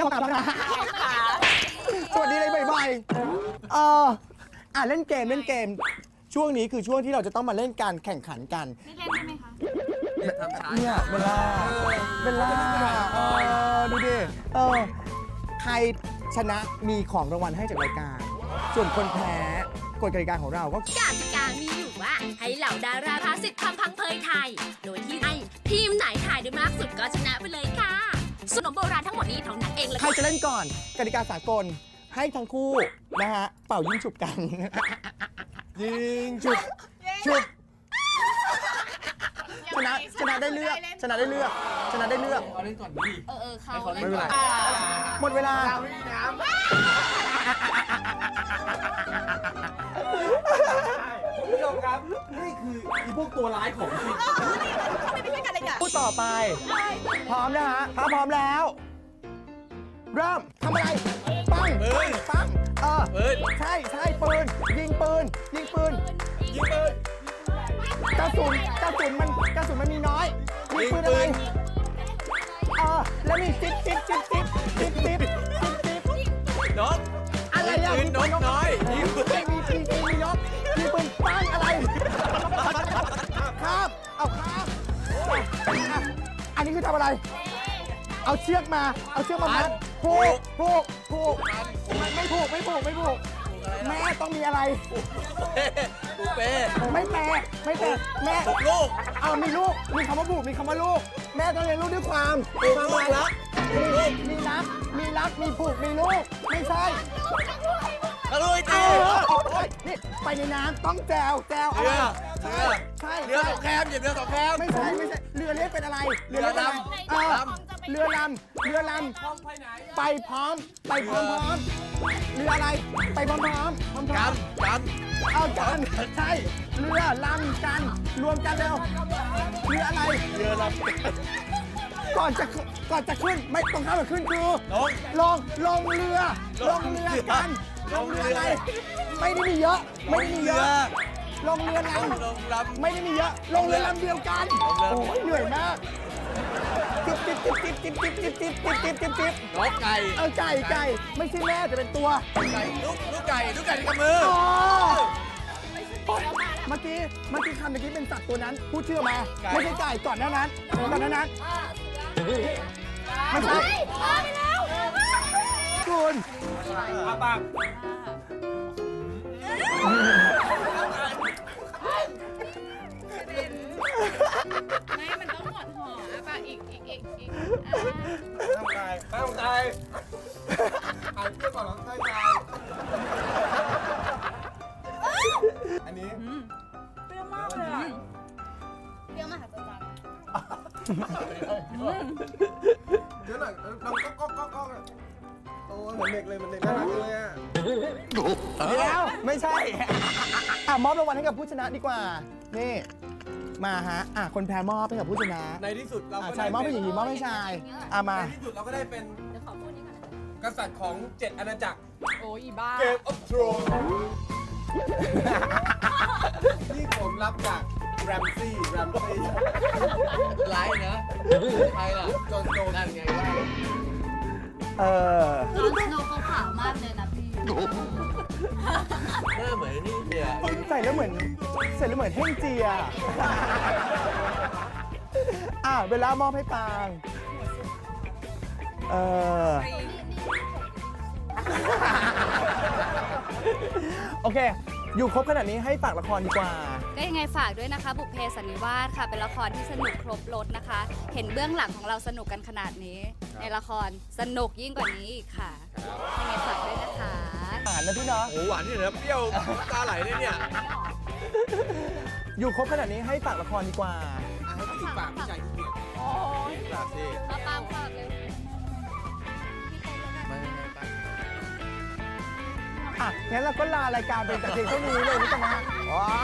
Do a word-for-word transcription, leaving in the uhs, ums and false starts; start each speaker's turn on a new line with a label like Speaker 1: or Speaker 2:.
Speaker 1: ขอกลับแล้วนะสวัสดีเลยบ่อยๆเอออ่ะเล่นเกมเล่นเกมช่วงนี้คือช่วงที่เราจะต้องมาเล่นการแข่งขันกัน
Speaker 2: ไม่เล่นได้ไหมคะ
Speaker 1: เนี่ยเวลาเวลาเออดูดิเออใครชนะมีของรางวัลให้จากรายการ ส่วนคนแพ้กฎกติกาของเราก็
Speaker 3: กติกามีอยู่ว่าให้เหล่าดาราพาสิทธิ์ทำพังเพยไทย โดยที่ให้ทีมไหนถ่ายได้มากสุดก็ชนะไปเลยค่ะขนมโบราณทั้งหมดนี้เท่านั้นเองเลย
Speaker 1: ใครจะเล่นก่อนกติกาสากลให้ทั้งคู่นะฮะเป่ายิงฉุบกัน ยิงฉุบฉุบชนะชนะได้เลือกชนะได้เลือกชนะได้เลือก
Speaker 4: เอาเล่นก่อนดิ
Speaker 2: เออเออเขา
Speaker 4: ไม่
Speaker 2: เล่น
Speaker 4: เป็นไร
Speaker 1: หมดเวลา
Speaker 4: คุณผู้ชมครับ นี่คืออีพวกตัวร้ายของจริง
Speaker 1: พูดต่อไป พร้อมนะฮะถ้าพร้อมแล้ว เริ่มทำอะไรปัง
Speaker 4: ปืน
Speaker 1: ปังเออ
Speaker 4: ปืน
Speaker 1: ใช่ใช่ปืนยิงปืนยิงปืน
Speaker 4: ยิงปืน
Speaker 1: กระสุนกระสุนมันกระสุนมันมีน้อยยิงปืนอะไร
Speaker 4: ยิงปืน
Speaker 1: เออแล้วมีจิ๊บจิ๊บจิ๊บจิ๊บจิ๊บจิ๊บจิ๊บจิ๊บ
Speaker 4: นก
Speaker 1: อะไรอ่ะ
Speaker 4: ปืนนกน้อยยิงปืน
Speaker 1: มีมีมีมีนกมีปืนปังอะไรครับเอาครับอ่ะอันนี้คือทำอะไร เอาเชือกมา เอาเชือกมามัดผูกผูกผูกมันไม่ผูกไม่ผูกไม่ผูกแม่ต้องมีอะไร
Speaker 4: ปูเป้
Speaker 1: ไม่แปลไม่แปลแม่
Speaker 4: ตกลูก
Speaker 1: เอามีลูก มีคำว่าผูกมีคำว่าลูก แม่ต้องเลี้ยงลูกด้วยความ
Speaker 4: ผูก
Speaker 1: ความ
Speaker 4: ลูกรัก
Speaker 1: มีมีรัก มีรัก มีผูก มีลูก ไม่ใช่
Speaker 4: กระลุย
Speaker 1: เอ
Speaker 4: ตี
Speaker 1: อโอ๊ยนี่ไปในน้ำต้องแจวแจว
Speaker 4: เรือ
Speaker 1: ใช่
Speaker 4: เรือ
Speaker 1: ใช่
Speaker 4: เรือ
Speaker 1: ใช่
Speaker 4: สองแคมเหยียบเรือสองแคม
Speaker 1: ไม่ใช่ไม่ใช่เรือเล็กเป็นอะไรเรือเล็กเป็นอะไร
Speaker 4: เรือลำ
Speaker 1: เออเรือลำเรือลำไปพร้อมไปพร้อมพร้อมเรืออะไรไปพร้อมพร้อมพร้อมพร้อม
Speaker 4: กำก
Speaker 1: เอากันใช่เรือลำกันรวมกันเร็วเรืออะไร
Speaker 4: ำเรือลำ
Speaker 1: ก่อนจะขึ้นก่อนจะขึ้นไม่ต้องข้ามมาขึ้นคือ
Speaker 4: ลง
Speaker 1: ลงลงเรือลงเรือกันลงเรืออะไรไม่ได้มีเยอะไม่ได้มีเย
Speaker 4: เรือ
Speaker 1: อะลงเรือลำ
Speaker 4: ลงลำ
Speaker 1: ไม่ได้มีเยอะ ลงเรือลำเดียวกัน
Speaker 4: ลงเรือ
Speaker 1: โอ้ยเหนื่อยมากจิ๊บจิ๊บจิ๊บจิ๊บจิ๊บจิ๊บจิ๊บจิ๊บจิ๊บจิ๊บจิ๊บ
Speaker 4: นกไก่
Speaker 1: เอาไก่ไก่ไม่ใช่แม่แต่เป็นตัว
Speaker 4: ไก่ลูกลูกไก่ลูกไก่ในกำมือ
Speaker 1: อ๋อเมื่อกี้เมื่อกี้คำเมื่อกี้เป็นสัตว์ตัวนั้นพูดชื่อมา ไม่ใช่ไก่ก่อนหน้านั้นก่อนหน้านั้นไม่ใช่คุณ
Speaker 4: อาปาก
Speaker 2: ไม่ มันต้องหมดห่ออ่ะป่ะอีกอีกอีกอีก
Speaker 4: ตั้งใจตั้งใจอ่านเพื่อก่อนแล้วตั้งใจอันนี้
Speaker 2: เปรี้ยวมากเลยอ่ะเปรี้ยวมากค่ะจัง
Speaker 4: เดี๋ยวหน่อยเราก็ก็ก็ก็โอ้เหมือนเด็กเลยมันเด็กน่ารักเลยอ่ะ
Speaker 1: เดี๋ยวไม่ใช่อ่ะมอบรางวัลให้กับผู้ชนะดีกว่านี่มาฮะอ่ะคนแพ้มอบให้กับผู้ชนะ
Speaker 4: ในที่สุดเรา
Speaker 1: อ่ะ
Speaker 4: ก็
Speaker 1: ชายมอบให้หญิงหญิงมอบให้ชายอ่ะมา
Speaker 4: ในที่สุดเราก็ได้เป็น
Speaker 2: เดี๋ยวขอพูดนี่ก่อน
Speaker 4: กษัตริย์ของเจ็ดอาณาจักร
Speaker 2: โอ้ยอีบ้า
Speaker 4: เกมออฟทรอนนี่ผมรับจากแรมซี่แรมซี่ไลน์นะใครล่ะจอห์นสโนว์นั่นไงว่า
Speaker 1: เออ
Speaker 2: จอร์นสโนว์เขาขาวมากเลยนะพี่
Speaker 4: หน้าเหมือนนี่เนี่ย
Speaker 1: ใส่แล้วเหมือนใส่แล้วเหมือนเฮ่งเจียอ่ะเวลามอบให้ปางเออโอเค อยู่ครบขนาดนี้ให้ฝากละครดีกว่า
Speaker 5: ก็ยังไงฝากด้วยนะคะ บุพเพสันนิวาสค่ะ เป็นละครที่สนุกครบรถนะคะ เห็นเบื้องหลังของเราสนุกกันขนาดนี้ ในละครสนุกยิ่งกว่านี้อีกค่ะยังไงฝากด้วยนะคะ
Speaker 1: อ่านนะพี่เนาะ
Speaker 4: โอ้หวานนี่เหรอเปรี้ยวตาไหลเลยเนี่ย
Speaker 1: อยู่ครบขนาดนี้ให้ฝากละครดีกว่า
Speaker 4: อ่ะให้พี่ฝากพี่ชายที่เกียรติ
Speaker 5: โอ้ย
Speaker 4: ฝากสิ
Speaker 5: มาปางฝากเร็ว
Speaker 4: ไม่ไม่ไม่
Speaker 1: อ่ะ งั้นเราก็ลารายการเป็นแต่เพียงเท่านี้เลยนะจ๊ะนะ